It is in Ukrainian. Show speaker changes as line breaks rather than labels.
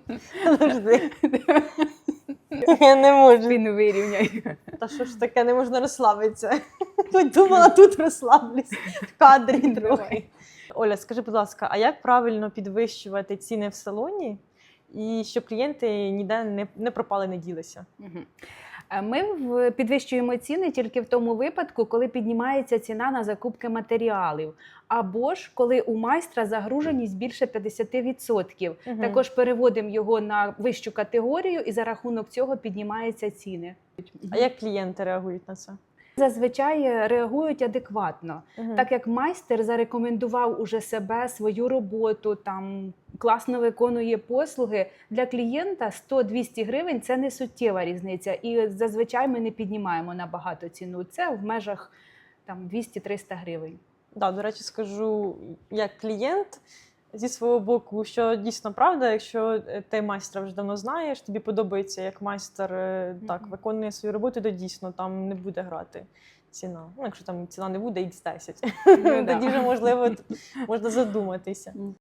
Подожди. Я не можу.
Спину вирівняй.
Та що ж таке, не можна розслабитися. Тут думала, тут розслаблюсь в кадрі трохи. Оля, скажи, будь ласка, а як правильно підвищувати ціни в салоні, і щоб клієнти ніде не пропали, не ділися?
Ми підвищуємо ціни тільки в тому випадку, коли піднімається ціна на закупки матеріалів, або ж коли у майстра загруженість більше 50%. Також переводимо його на вищу категорію і за рахунок цього піднімаються ціни.
А як клієнти реагують на це?
Зазвичай реагують адекватно, так як майстер зарекомендував уже себе, свою роботу, там класно виконує послуги. Для клієнта 100-200 гривень – це не суттєва різниця. І зазвичай ми не піднімаємо набагато ціну. Це в межах 200-300 гривень.
Да, до речі, скажу, як клієнт, зі свого боку, що дійсно правда, якщо ти майстра вже давно знаєш, тобі подобається, як майстер так виконує свою роботу, то дійсно там не буде грати ціна. Ну, якщо там ціна не буде X10, тоді вже, можливо, можна задуматися.